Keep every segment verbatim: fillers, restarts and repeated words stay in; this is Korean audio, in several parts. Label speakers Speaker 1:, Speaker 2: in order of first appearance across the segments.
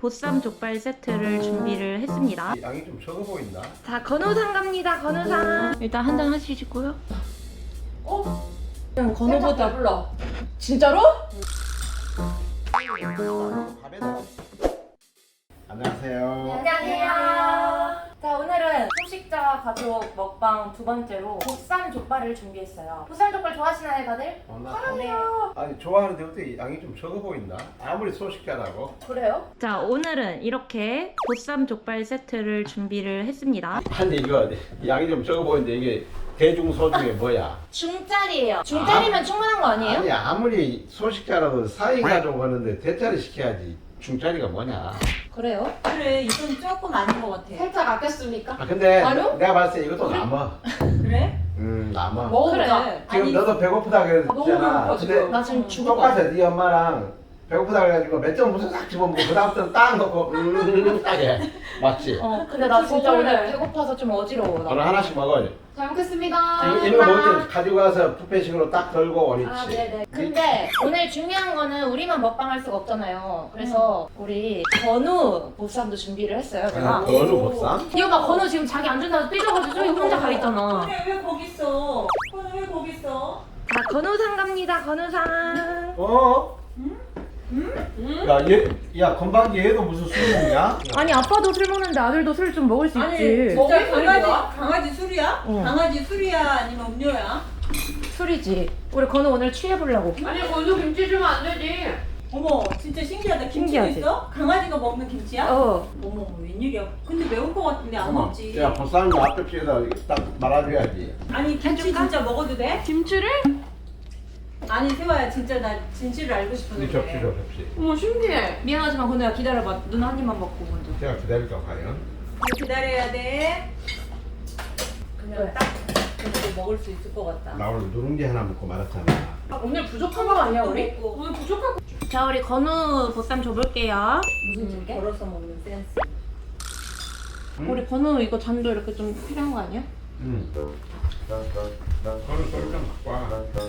Speaker 1: 보쌈 족발 세트를 준비를 했습니다.
Speaker 2: 양이 좀 적어 보인다.
Speaker 1: 자, 건우상 갑니다. 건우상. 일단 한 잔 하시고요.
Speaker 3: 어?
Speaker 1: 그냥 건우보다
Speaker 3: 불러.
Speaker 1: 진짜로?
Speaker 2: 안녕하세요.
Speaker 1: 안녕하세요. 자, 오늘은 소식자 가족 먹방 두 번째로 보쌈 족발을 준비했어요. 보쌈 족발 좋아하시나요, 다들?
Speaker 2: 어, 나
Speaker 1: 사랑해요.
Speaker 2: 아니 좋아하는데 어떻게 양이 좀 적어 보인다. 아무리 소식자라고.
Speaker 1: 그래요? 자, 오늘은 이렇게 보쌈 족발 세트를 준비를 했습니다.
Speaker 2: 아니 이거 양이 좀 적어 보이는데 이게 대중소중에 뭐야?
Speaker 1: 중짜리예요. 중짜리면 충분한 거 아니에요?
Speaker 2: 아니 아무리 소식자라도 사이 가족 하는데 대짜리 시켜야지. 중짜리가 뭐냐?
Speaker 1: 그래요?
Speaker 3: 그래, 이건 조금 아닌 것 같아.
Speaker 1: 살짝 아꼈습니까?
Speaker 2: 아 근데
Speaker 1: 아니요?
Speaker 2: 내가 봤을 때 이것도 남아.
Speaker 3: 그래?
Speaker 2: 음 남아.
Speaker 1: 먹어보자.
Speaker 3: 그래.
Speaker 2: 지금
Speaker 3: 아니,
Speaker 2: 너도 배고프다 그랬잖아.
Speaker 3: 너무 배고파,
Speaker 2: 근데
Speaker 3: 지금.
Speaker 1: 나 지금 죽을 것
Speaker 2: 똑같아.
Speaker 1: 같아.
Speaker 2: 네 엄마랑 배고프다 그래가지고 몇 점 무슨 싹 집어먹고 그 다음부터는 딱 넣고 음 딱해. 맞지?
Speaker 1: 어, 근데 나 진짜
Speaker 3: 먹을래.
Speaker 1: 오늘 배고파서 좀 어지러워. 나.
Speaker 2: 너는 하나씩 먹어.
Speaker 1: 잘 먹겠습니다.
Speaker 2: 이거, 이거 먹을 때 가지고 가서 뷔페식으로 딱 덜고 원위치.
Speaker 1: 아, 네네. 근데 오늘 중요한 거는 우리만 먹방할 수가 없잖아요. 그래서 우리 건우 보쌈도 준비를 했어요, 제가.
Speaker 2: 아, 건우 보쌈?
Speaker 1: 이 오빠 건우 지금 자기 안 준다고 삐져가지고 저기 혼자 가 있잖아.
Speaker 3: 그래, 왜 거기 있어? 오늘 왜 거기 있어?
Speaker 1: 자, 건우상 갑니다, 건우상.
Speaker 2: 어?
Speaker 3: 응?
Speaker 2: 야, 얘, 야, 건방지 얘도 무슨 술 먹냐?
Speaker 1: 아니, 아빠도 술 먹는데 아들도 술 좀 먹을 수
Speaker 3: 아니,
Speaker 1: 있지.
Speaker 3: 진짜
Speaker 1: 먹을 술이
Speaker 3: 강아지,
Speaker 1: 뭐야?
Speaker 3: 강아지 술이야?
Speaker 1: 응.
Speaker 3: 강아지 술이야? 아니면 음료야?
Speaker 1: 술이지. 우리 건우 오늘 취해보려고.
Speaker 4: 아니 건우 김치 주면 안 되지.
Speaker 3: 어머, 진짜 신기하다. 김치도
Speaker 1: 신기하지?
Speaker 3: 있어? 강아지가 먹는 김치야?
Speaker 1: 어.
Speaker 3: 어머, 웬일이야. 근데 매울 것 같은데 안 먹지.
Speaker 2: 야, 보쌈이 앞에 피에다 딱 말아줘야지.
Speaker 3: 아니, 김치
Speaker 1: 해줄까?
Speaker 3: 진짜 먹어도 돼?
Speaker 1: 김치를?
Speaker 3: 아니, 세화야, 진짜 나 진실을 알고
Speaker 2: 이
Speaker 3: 싶었는데.
Speaker 2: 접시 줘, 접시.
Speaker 4: 어머 신기해.
Speaker 1: 미안하지만 건우야 기다려봐. 눈 한 입만 먹고 먼저.
Speaker 2: 제가 기다릴까, 과연?
Speaker 3: 기다려야 돼. 그냥
Speaker 1: 왜?
Speaker 3: 딱 그렇게 먹을 수 있을 것 같다.
Speaker 2: 나 오늘 누룽지 하나 먹고 말았잖아.
Speaker 4: 오늘 부족한 거 아니야 우리?
Speaker 3: 먹고.
Speaker 4: 오늘 부족한 거.
Speaker 1: 자, 우리 건우 보쌈 줘볼게요.
Speaker 3: 무슨
Speaker 1: 음,
Speaker 3: 게? 걸어서 먹는 센스.
Speaker 2: 응?
Speaker 1: 우리 건우 이거 잔도 이렇게 좀 필요한 거 아니야?
Speaker 2: 응. 그거는 썰좀 갖고 와.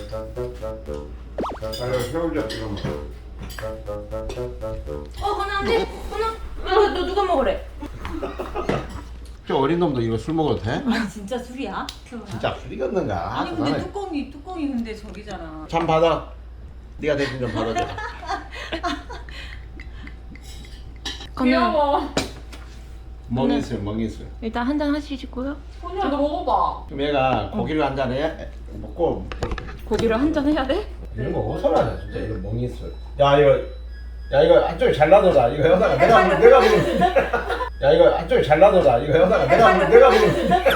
Speaker 2: 나 이거 새우젓 찍어 먹어.
Speaker 1: 어, 건우 안 돼. 건우. 너, 너 누가 먹으래?
Speaker 2: 저 어린 놈도 이거 술 먹어도 돼?
Speaker 3: 아니, 진짜 술이야?
Speaker 2: 진짜 술이겠는가?
Speaker 3: 아니, 근데
Speaker 2: 나는
Speaker 3: 뚜껑이, 뚜껑이 근데 저기잖아.
Speaker 2: 참 받아. 네가 대신 좀 받아줘.
Speaker 1: 건우
Speaker 4: 귀여워.
Speaker 2: 멍이술, 멍이술.
Speaker 1: 일단 한 잔 하시고요.
Speaker 4: 건우야 너 먹어봐.
Speaker 2: 그럼 얘가 고기를 한 잔 해? 먹고
Speaker 1: 고기를 한 잔 해야 돼?
Speaker 2: 이런 거 어디서 하냐 진짜 이런 멍이술. 야 이거 야 이거 안쪽에 잘 놔둬라. 이거 여기다가 내가 물 내가 물. 야 이거 안쪽에 잘 놔둬라. 이거 여기다가 내가 물 내가 물.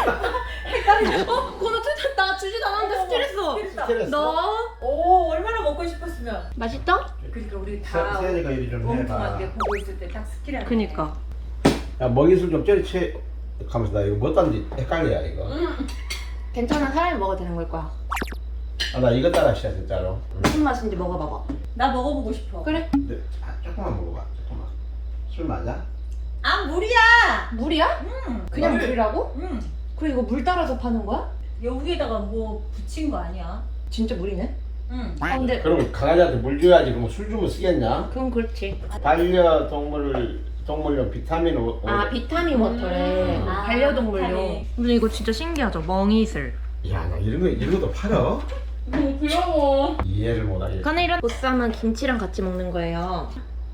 Speaker 1: 어, 건우 트- 나 주지도 않았는데 스트레스.
Speaker 2: 스트레스.
Speaker 1: 너
Speaker 3: 오, 얼마나 먹고 싶었으면.
Speaker 1: 맛있다?
Speaker 3: 그러니까 우리 다
Speaker 2: 세- 세연이가 이리 좀 해봐.
Speaker 3: 엉뚱하게 보고 있을 때 딱 스킬하네.
Speaker 1: 그니까.
Speaker 2: 야 멍이술 좀 저리 채. 가면서 나 이거 뭐 딴지 헷갈려 이거.
Speaker 1: 괜찮아, 사람이 먹어도 되는 걸 거야.
Speaker 2: 아 나 이거 따라 시작 진짜로. 응.
Speaker 1: 무슨 맛인지 먹어봐봐.
Speaker 3: 나 먹어보고 싶어.
Speaker 1: 그래?
Speaker 2: 근데 아, 조금만 먹어봐. 조금만. 술 맞아?
Speaker 3: 아, 물이야!
Speaker 1: 물이야?
Speaker 3: 응.
Speaker 1: 그냥
Speaker 3: 물.
Speaker 1: 물이라고?
Speaker 3: 응.
Speaker 1: 그럼 이거 물 따라서 파는 거야?
Speaker 3: 여기에다가 뭐 붙인 거 아니야?
Speaker 1: 진짜 물이네?
Speaker 3: 응.
Speaker 1: 아, 근데
Speaker 2: 그럼 강아지한테 물 줘야지. 그럼 술 주면 쓰겠냐?
Speaker 1: 그건 그렇지.
Speaker 2: 반려동물 동물용 비타민 오,
Speaker 1: 아, 비타민 워터래.
Speaker 3: 음. 아,
Speaker 1: 반려동물용.
Speaker 3: 비타민.
Speaker 1: 근데 이거 진짜 신기하죠? 멍이슬.
Speaker 2: 야, 나 이런 거 이런 것도 팔어?
Speaker 4: 너무 귀여워.
Speaker 2: 이해를 못하겠어.
Speaker 1: 건우 이런 보쌈은 김치랑 같이 먹는 거예요.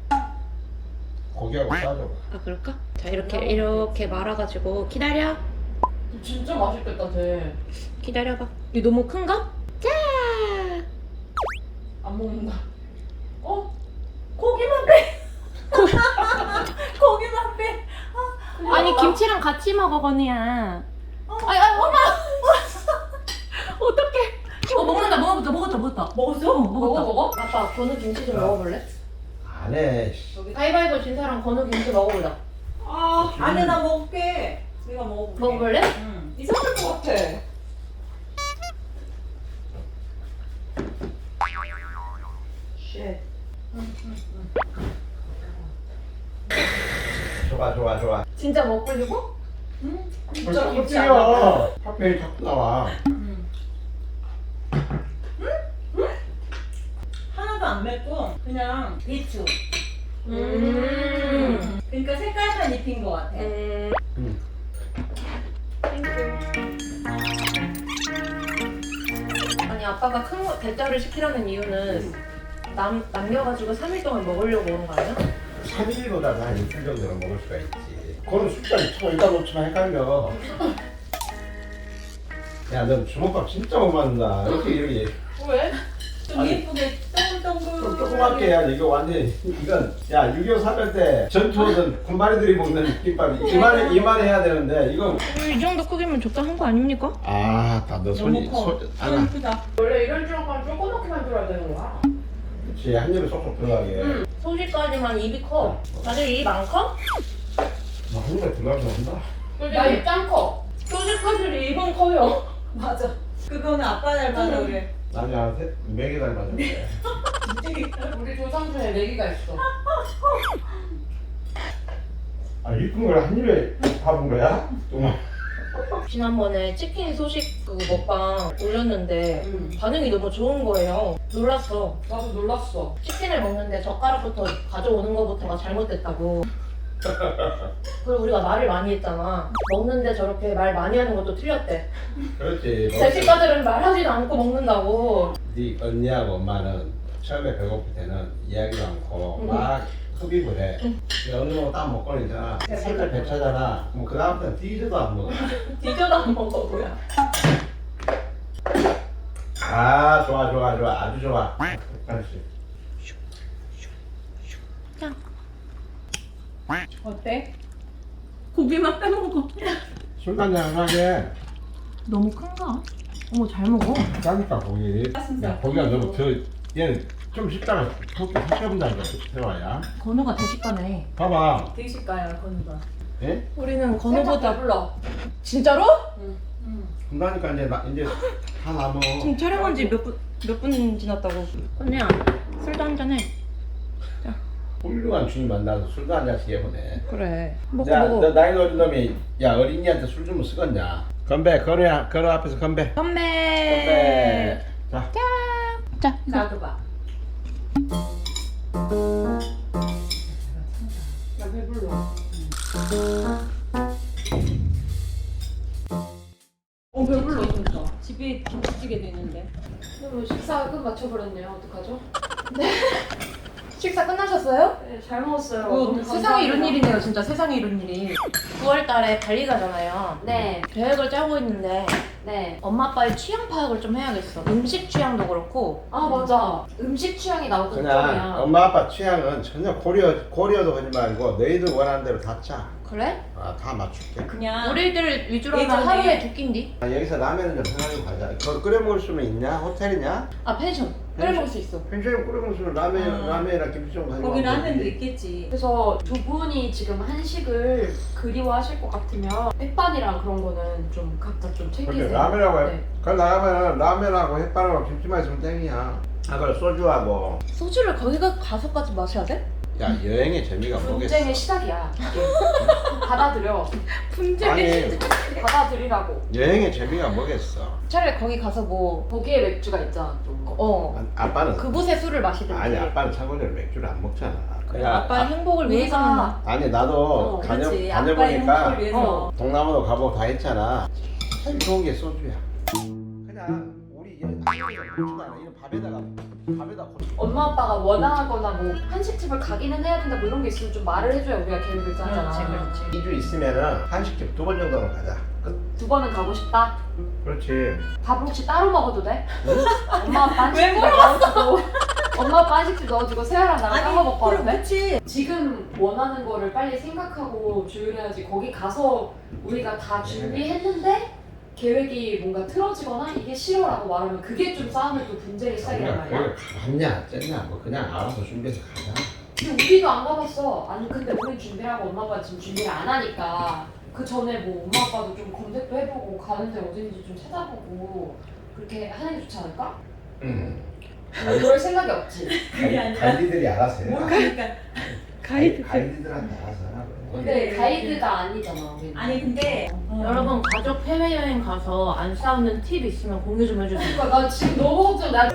Speaker 2: 고기하고 싸줘.
Speaker 1: 아, 그럴까? 자, 이렇게 이렇게 말아가지고 기다려.
Speaker 4: 진짜 맛있겠다 쟤.
Speaker 1: 기다려봐. 이거 너무 큰가? 짜!
Speaker 4: 안 먹는다.
Speaker 3: 어? 고기만 빼! 고기만 빼!
Speaker 1: 아니, 김치랑 같이 먹어, 건우야. 아이, 아이, 엄마! 어떡해. 어, 먹는다, 먹었다, 먹었다, 먹었다.
Speaker 3: 먹었어?
Speaker 1: 어, 먹었다.
Speaker 4: 먹어 먹어?
Speaker 1: 아빠, 건우 김치 좀 먹어볼래?
Speaker 2: 안 해. 씨.
Speaker 1: 가위바위보 진 사람 건우 김치 먹어볼래?
Speaker 3: 아, 아니, 나 먹을게. 내가 먹어볼게.
Speaker 1: 먹어볼래?
Speaker 3: 응.
Speaker 4: 이상할 것 같아.
Speaker 1: 쉣.
Speaker 2: 좋아, 좋아, 좋아.
Speaker 1: 진짜 먹으려고?
Speaker 3: 응?
Speaker 4: 진짜
Speaker 2: 벌써
Speaker 4: 김치 안
Speaker 2: 껍질이야. 파페이 자꾸 나와.
Speaker 3: 응. 하나도 안 맵고 그냥 배추.
Speaker 1: 음.
Speaker 3: 입힌 것 같아.
Speaker 1: 음.
Speaker 2: 음.
Speaker 1: 아니 아빠가 큰 거, 대짜를 시키라는 이유는 남, 남겨가지고 삼 일 동안 먹으려고 오는 거 아니야?
Speaker 2: 삼 일보다 한 이틀 정도는 먹을 수가 있지. 그거는 숫자를 쳐 여기다 놓치면 헷갈려. 야, 넌 주먹밥 진짜 못 만든다. 이렇게 이렇게
Speaker 4: 왜?
Speaker 3: 좀
Speaker 2: 아니,
Speaker 3: 예쁘게 동글동글.
Speaker 2: 좀 조그맣게 해야지. 이거 완전 이건 야 육이오 사별 때 전투하던 군마리들이 먹는 김밥 이만 이만 해야 되는데 이거
Speaker 1: 이 정도 크기면 적당한 거 아닙니까?
Speaker 2: 아다너 손이
Speaker 3: 너무 커.
Speaker 2: 손
Speaker 3: 너무
Speaker 2: 하나.
Speaker 3: 크다.
Speaker 4: 원래 이런 주먹밥 조그맣게 만들어야 되는 거야.
Speaker 2: 그렇지 한 입에 쏙쏙 들어가게.
Speaker 1: 응. 소시까지만 입이 커. 다들 입 안 커?
Speaker 2: 뭐한 입에 들어가서 한다.
Speaker 4: 나 입장 커.
Speaker 1: 소시까지를 입은 커요.
Speaker 3: 맞아. 그거는 아빠 닮아서 그래.
Speaker 2: 나는 한 매개 닮았는데.
Speaker 4: 우리 조상 중에 내기가 있어.
Speaker 2: 아 이쁜 걸 한 입에 밥은 거야? 정말.
Speaker 1: 지난번에 치킨 소식 그 먹방 올렸는데
Speaker 4: 응.
Speaker 1: 반응이 너무 좋은 거예요. 놀랐어.
Speaker 4: 나도 놀랐어.
Speaker 1: 치킨을 먹는데 젓가락부터 가져오는 거부터가 잘못됐다고. 그리고 우리가 말을 많이 했잖아. 먹는데 저렇게 말 많이 하는 것도 틀렸대.
Speaker 2: 그렇지.
Speaker 1: 대식가들은 말하지도 않고 먹는다고.
Speaker 2: 네 언니하고 엄마는 처음에 배고플 때는 이야기도 않고
Speaker 1: 응.
Speaker 2: 막 흡입을 해. 어느 정도 딱 먹고 있잖아. 색깔 배차잖아. 뭐 그 다음부터는 뒤지도 안 먹어.
Speaker 1: 뒤져도 안 먹어 뭐야.
Speaker 2: 아 좋아 좋아 좋아 아주 좋아. 그렇지.
Speaker 3: 어때?
Speaker 1: 고기만 빼먹어.
Speaker 2: 술 한잔 하게.
Speaker 1: 너무 큰가? 어머 잘 먹어.
Speaker 2: 짜니까 고기. 야 고기가 너무 저 얘는 좀 쉽잖아. 그렇게 하셔본다니까 세화야.
Speaker 1: 건우가 대식가네.
Speaker 2: 봐봐.
Speaker 3: 대식가야 건우가.
Speaker 2: 예?
Speaker 1: 우리는
Speaker 4: 건우보다
Speaker 1: 건우보다
Speaker 4: 불러.
Speaker 1: 진짜로?
Speaker 3: 응.
Speaker 2: 그러니까 이제 나 이제 다 남어.
Speaker 1: 지금 촬영한 지 몇 분 몇 분 지났다고. 건우야 술도 한잔 해.
Speaker 2: 훌륭한 주인 만나서 술도 한 잔씩 해보네.
Speaker 1: 그래. 먹고
Speaker 2: 야,
Speaker 1: 먹어.
Speaker 2: 너 나이 어린 놈이 야 어린이한테 술 주면 쓰겄냐? 건배, 건우야, 건우 앞에서 건배.
Speaker 1: 건배.
Speaker 2: 건배. 자,
Speaker 1: 자.
Speaker 3: 나도 봐.
Speaker 4: 나 배불러. 어 배불러 진짜.
Speaker 3: 집에 김치찌개 되는데.
Speaker 4: 그럼 식사 끝 맞춰버렸네요. 어떡하죠?
Speaker 1: 식사 끝나셨어요?
Speaker 4: 네, 잘 먹었어요.
Speaker 3: 어,
Speaker 4: 너무
Speaker 1: 세상에 이런
Speaker 4: 감사합니다.
Speaker 1: 일이네요. 진짜 세상에 이런 일이. 구월 달에 발리 가잖아요.
Speaker 4: 네,
Speaker 1: 계획을 짜고 있는데
Speaker 4: 네.
Speaker 1: 엄마 아빠의 취향 파악을 좀 해야겠어. 음식 취향도 그렇고.
Speaker 4: 아 맞아. 음식 취향이 나도
Speaker 2: 그냥
Speaker 4: 걱정이야.
Speaker 2: 엄마 아빠 취향은 전혀 고려 고려도 하지 말고 너희들 원하는 대로 다 짜.
Speaker 1: 그래?
Speaker 2: 아, 다 맞출게.
Speaker 3: 그냥
Speaker 1: 우리들 위주로 하면
Speaker 3: 예전에-
Speaker 1: 하루에 두 끼인디?
Speaker 2: 아, 여기서 라면은 좀 편하게 가자. 그거 끓여 먹을 수는 있냐? 호텔이냐?
Speaker 1: 아 펜션. 끓여 먹을 수 있어.
Speaker 2: 펜션에 끓여 먹을 수는 라면,
Speaker 3: 아.
Speaker 2: 라면이랑 김치 좀 가지고.
Speaker 3: 거기
Speaker 2: 가면
Speaker 3: 라면도
Speaker 2: 되지.
Speaker 3: 있겠지.
Speaker 4: 그래서 두 분이 지금 한식을 그리워하실 것 같으면 햇반이랑 그런 거는 좀 각자 좀
Speaker 2: 그렇게
Speaker 4: 챙기세요.
Speaker 2: 라면하고 해.
Speaker 4: 네.
Speaker 2: 그걸 나가면 라면하고 햇반하고 김치만 있으면 땡이야. 아, 그래 소주하고.
Speaker 1: 소주를 거기가 가서까지 마셔야 돼?
Speaker 2: 야 여행의 재미가 뭐겠어?
Speaker 4: 분쟁의 시작이야. 이게. 받아들여.
Speaker 2: 아니
Speaker 4: 받아들이라고.
Speaker 2: 여행의 재미가 뭐겠어?
Speaker 1: 차라리 거기 가서 뭐
Speaker 4: 거기에 맥주가 있잖아 또.
Speaker 1: 어.
Speaker 2: 아, 아빠는
Speaker 1: 그곳에 술을 마시든지.
Speaker 2: 아니 아빠는 참고적으로 맥주를 안 먹잖아.
Speaker 1: 그래, 아빠의 행복을 위해서는
Speaker 3: 우리가
Speaker 2: 아니 나도
Speaker 4: 어,
Speaker 2: 다녀
Speaker 3: 그렇지. 아빠의
Speaker 2: 다녀보니까
Speaker 3: 행복을 위해서.
Speaker 1: 어.
Speaker 2: 동남아도 가보고 다 했잖아. 제일 좋은 게 소주야. 그냥 우리 여행 고추도 않아. 이런 밥에다가 밥에다 고추.
Speaker 4: 엄마 아빠가 원하거나 뭐 한식집을 가기는 해야 된다 뭐 이런 게 있으면 좀 말을 해줘야 우리가 계획을 짜잖아.
Speaker 1: 그렇지, 그렇지.
Speaker 2: 이 주 있으면은 한식집 두 번 정도는 가자. 끝.
Speaker 4: 두 번은 가고 싶다.
Speaker 2: 그렇지.
Speaker 4: 밥 혹시 따로 먹어도 돼?
Speaker 2: 응?
Speaker 4: 엄마 아빠 한식집 넣어주고 엄마 아빠 한식집 넣어주고 세아랑 나랑 따로 먹고
Speaker 3: 그럼
Speaker 4: 하는데?
Speaker 3: 그치.
Speaker 4: 지금 원하는 거를 빨리 생각하고 조율해야지. 거기 가서 우리가 다 준비했는데 계획이 뭔가 틀어지거나 이게 싫어라고 말하면 그게 좀 싸움의 또 분쟁의 시작이란
Speaker 2: 우리가
Speaker 4: 말이야.
Speaker 2: 거기 가봤냐 쨌냐 뭐 그냥 알아서 준비해서 가자.
Speaker 4: 근데 우리도 안 가봤어. 아니 근데 우린 준비하고 엄마 아빠 지금 준비를 안 하니까 그 전에 뭐 엄마 아빠도 좀 검색도 해보고 가는 데 어딘지 좀 찾아보고 그렇게 하는 게 좋지 않을까?
Speaker 2: 응.
Speaker 4: 뭐 그럴 생각이 없지.
Speaker 3: 그게 아니라
Speaker 2: 가이드들이 알아서 해.
Speaker 3: 뭘 그러니까
Speaker 2: 가이드 가이드들한테 알아서 하라고.
Speaker 4: 근데 가이드가 아니잖아. 우리는.
Speaker 3: 아니 근데 어.
Speaker 1: 여러분 가족 해외여행 가서 안 싸우는 팁 있으면 공유 좀 해주세요.
Speaker 4: 그러니까 나 지금 너무 걱정. 나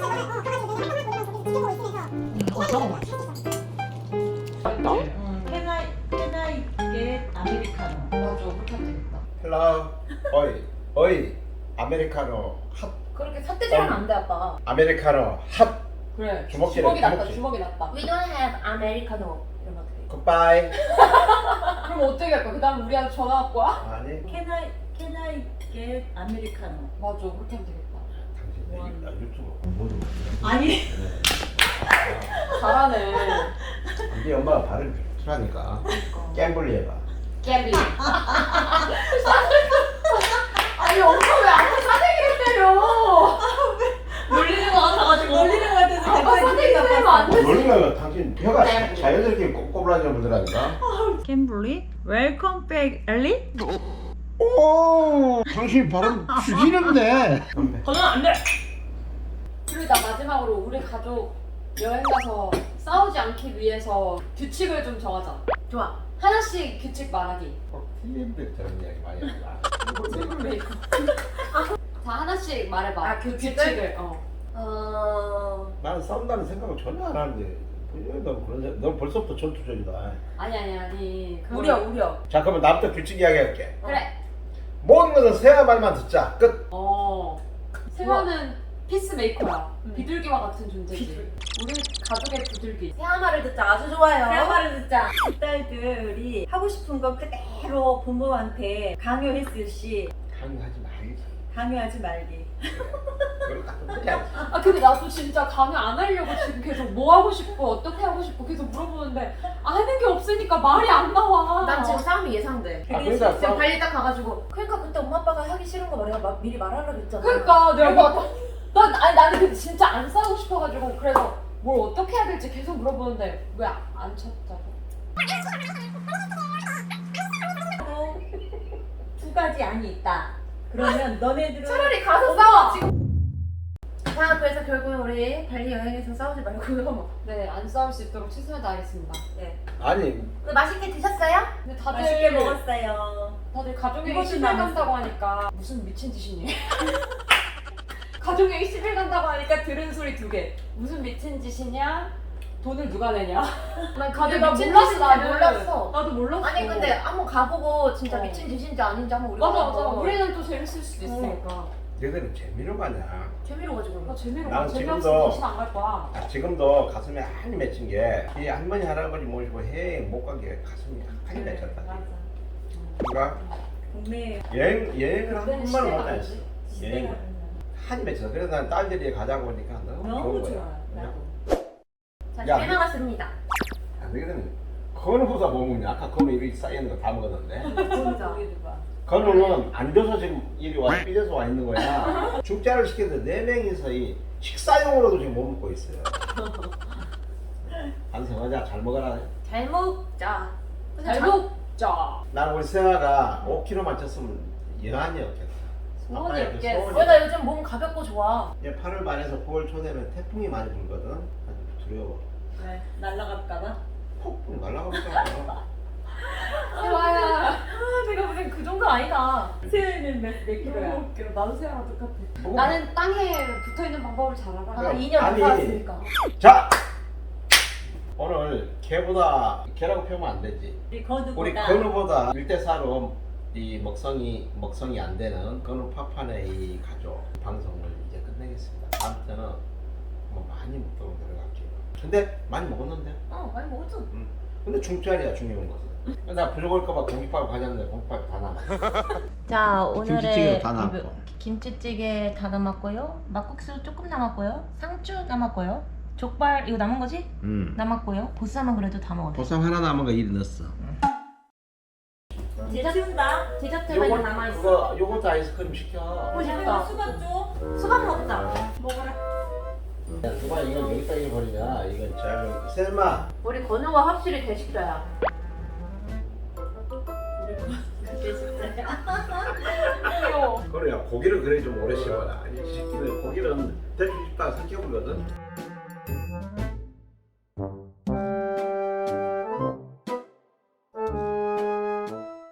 Speaker 1: 이거 써.
Speaker 3: 어, 해나 해나 있게 아메리카노.
Speaker 4: 맞아 그렇게 하면 되겠다.
Speaker 2: 헬로 어이 어이 아메리카노 핫
Speaker 1: 그렇게 삿대질하면 안 돼 아빠.
Speaker 2: 아메리카노 핫
Speaker 4: 그래
Speaker 2: 주먹질해,
Speaker 4: 주먹이 낫다
Speaker 2: 주먹질.
Speaker 4: 주먹이 낫다.
Speaker 1: We don't have Americano. 이러면 어떡해.
Speaker 2: 굿바이.
Speaker 4: 그럼 어떻게 할까? 그 다음에 우리한테 전화 갖고 와?
Speaker 2: 아니
Speaker 3: Can I Can I get 아메리카노?
Speaker 4: 맞아 그렇게 하면 되겠다.
Speaker 2: 당신 내 유- 나 유튜브 공부를
Speaker 3: 아니
Speaker 4: 잘하네.
Speaker 2: 이제 엄마가 발음이 좋더라니까. 갬블리 해봐.
Speaker 4: 갬블링. 아니 엄마 왜 아무 사대기를 때려?
Speaker 1: 놀리는 거 같아가지고.
Speaker 3: 놀리는 것 같아서
Speaker 4: 아빠
Speaker 3: 갑자기
Speaker 4: 사대기 때리면 안 되지.
Speaker 2: 놀리면 당신 혀가 자- 자연스럽게 꼬꼬부라져 보더라니까.
Speaker 3: 캠블리 웰컴 백 엘리?
Speaker 2: 오, 당신 발음 죽이는데.
Speaker 1: 거는 안 돼.
Speaker 4: 그리고 나 마지막으로 우리 가족 여행 가서 싸우지 않기 위해서 규칙을 좀 정하자.
Speaker 1: 좋아.
Speaker 4: 하나씩 규칙 말하기.
Speaker 2: 틀린데 저런 이야기 많이 한다.
Speaker 4: 자 하나씩 말해봐.
Speaker 1: 아, 규칙을?
Speaker 4: 규칙을. 어.
Speaker 1: 어.
Speaker 2: 나는 싸운다는 생각을 전혀 안 하는데. 너 그런 생- 너 벌써부터 전투적이다.
Speaker 4: 아니 아니 아니. 그걸-
Speaker 1: 우려 우려.
Speaker 2: 자, 그러면 나부터 규칙 이야기할게.
Speaker 4: 그래.
Speaker 2: 모든 것은 세아 말만 듣자. 끝.
Speaker 4: 어. 세화는 피스메이커야.
Speaker 1: 음.
Speaker 4: 비둘기와 같은 존재지. 우리 가족의 비둘기.
Speaker 1: 새하마를 듣자 아주 좋아요.
Speaker 3: 대화를 듣자. 그 딸들이 하고 싶은 거 그대로 부모한테 강요했을시
Speaker 2: 강요하지 말지.
Speaker 3: 강요하지 말기.
Speaker 2: 그걸 갖다 놓지 않지.
Speaker 4: 아 근데 나도 진짜 강요 안 하려고 지금 계속 뭐 하고 싶고 어떻게 하고 싶고 계속 물어보는데 하는 게 없으니까 말이 안 나와.
Speaker 1: 난 지금 싸움이 예상돼.
Speaker 2: 아, 그러니까
Speaker 1: 지금
Speaker 2: 싸움-
Speaker 1: 발리 딱 가가지고 그러니까 그때 엄마 아빠가 하기 싫은 거 내가 막 미리 말하려고 했잖아.
Speaker 4: 그러니까 내가 막 난 아니 나는 근데 진짜 안 싸우고 싶어가지고 그래서 뭘 어떻게 해야 될지 계속 물어보는데 왜 안 쳤다고?
Speaker 3: 또 두 가지 안이 있다. 그러면 너네들은
Speaker 1: 차라리 가서 싸워 지금. 자 그래서 결국엔 우리 발리 여행에서 싸우지 말고요.
Speaker 4: 네 안 싸울 수 있도록 최선을 다하겠습니다.
Speaker 1: 네.
Speaker 2: 아니,
Speaker 1: 오늘 맛있게 드셨어요?
Speaker 4: 근데 다들
Speaker 3: 맛있게 먹었어요.
Speaker 4: 다들 가족여행
Speaker 3: 이것도
Speaker 4: 십 일
Speaker 3: 남았어.
Speaker 4: 간다고 하니까 무슨 미친 짓이니? 가족여행 십 일 간다고 하니까 들은 소리 두 개. 무슨 미친 짓이냐? 돈을 누가 내냐?
Speaker 1: 난
Speaker 4: 다들
Speaker 1: 나
Speaker 4: 미친
Speaker 1: 몰랐어. 나
Speaker 4: 짓인지는
Speaker 1: 몰랐어.
Speaker 4: 나도 몰랐어.
Speaker 1: 아니 근데 한번 가보고 진짜
Speaker 4: 어.
Speaker 1: 미친 짓인지 아닌지 한번 우리가
Speaker 4: 맞아 맞아.
Speaker 1: 한번
Speaker 4: 우리는 또 재밌을 수도 있으니까.
Speaker 2: 얘들은 재미로 가냐?
Speaker 1: 재미로 가지고.
Speaker 4: 나 재미로
Speaker 2: 나는
Speaker 4: 가. 재미없으면
Speaker 2: 지금도-
Speaker 4: 다시는 안 갈 거야.
Speaker 2: 아, 지금도 가슴에 한이 맺힌 게 이 할머니 할아버지 모시고 해외 못 간 게 가슴이 한이 맺혔다.
Speaker 4: 맞아.
Speaker 2: 그러니까
Speaker 3: 국내
Speaker 2: 여행 여행을 한
Speaker 4: 그때는
Speaker 2: 번만 못
Speaker 4: 시대가
Speaker 2: 다녔어.
Speaker 4: 다르지.
Speaker 2: 여행
Speaker 3: 시대가
Speaker 2: 한이 맺혔어. 그래서 난 딸들이 가자고 하니까 너무,
Speaker 3: 너무
Speaker 2: 좋은 거야.
Speaker 3: 좋아요.
Speaker 2: 그냥.
Speaker 1: 자
Speaker 2: 야,
Speaker 1: 잘 나갔습니다.
Speaker 2: 아, 너희들은 건우보다 못 먹냐? 아까 건우 입에 쌓여있는 거 다 먹었는데.
Speaker 1: 진짜.
Speaker 2: 건우는 앉아서 지금 이리 와 삐져서 와 있는 거야. 죽자를 시켰는데 네 명이서 이 식사용으로도 지금 못 먹고 있어요. 반성하자. 잘 먹어라.
Speaker 1: 잘 먹자. 근데
Speaker 4: 잘
Speaker 1: 자-
Speaker 4: 먹자.
Speaker 2: 나는 우리 세아가 오 킬로그램만 쪘으면 여한이 없겠다.
Speaker 4: 소원이
Speaker 2: 아빠의 그
Speaker 4: 없겠어.
Speaker 2: 소원이
Speaker 1: 어, 나 요즘 몸 가볍고 좋아.
Speaker 2: 이제 팔월 말에서 구월 초되면 태풍이 많이 불거든. 아주 두려워.
Speaker 3: 왜 날라갈까봐?
Speaker 2: 폭풍 날아가니까.
Speaker 4: 세화야.
Speaker 1: 아, 제가 보기엔 그 정도 아니다.
Speaker 3: 세연이는 몇, 몇
Speaker 4: 너무
Speaker 3: 킬로야?
Speaker 4: 웃겨. 나도 세화랑 똑같아.
Speaker 2: 뭐?
Speaker 4: 나는 땅에 붙어 있는 방법을 잘 알아.
Speaker 1: 아, 이 년
Speaker 2: 아니.
Speaker 1: 살았으니까.
Speaker 2: 자 오늘 개보다 개라고 표현하면 안 되지.
Speaker 3: 우리 건우보다
Speaker 2: 우리 건우보다 일 대 사로 이 먹성이 먹성이 안 되는 건우 파판의 이 가족 방송을 이제 끝내겠습니다. 다음 때는 뭐 많이 먹도록 노력할게요. 근데 많이 먹었는데?
Speaker 1: 어, 많이 먹었죠.
Speaker 2: 응. 근데 중짜리야 중요한 것은. 나 부족할까봐 공깃밥 가져왔는데 공깃밥 다 남았어.
Speaker 1: 자
Speaker 2: 김치찌개도 다 남았고.
Speaker 1: 김치찌개 다 남았고요. 막국수 조금 남았고요. 상추 남았고요. 족발 이거 남은 거지?
Speaker 2: 응.
Speaker 1: 남았고요. 보쌈은 그래도 다 먹었어.
Speaker 2: 보쌈 하나 남은 거 이리 넣었어.
Speaker 3: 치운다.
Speaker 1: 디저트가 이거 남아 있어.
Speaker 2: 그거 요거트 아이스크림 시켜.
Speaker 1: 먹고 싶다.
Speaker 3: 수박 줘.
Speaker 1: 수박 먹자.
Speaker 3: 먹어라.
Speaker 2: 야, 누가 이걸 여기다 잃어버리냐? 이건 잘. 셀마.
Speaker 1: 우리 건우가 확실히 대식자야.
Speaker 3: 그게 진짜야.
Speaker 4: 귀여워.
Speaker 2: 그래야 고기를 그래 좀 오래 씹어라. 이 새끼는 고기는 대충 씹다가 삼켜버리거든.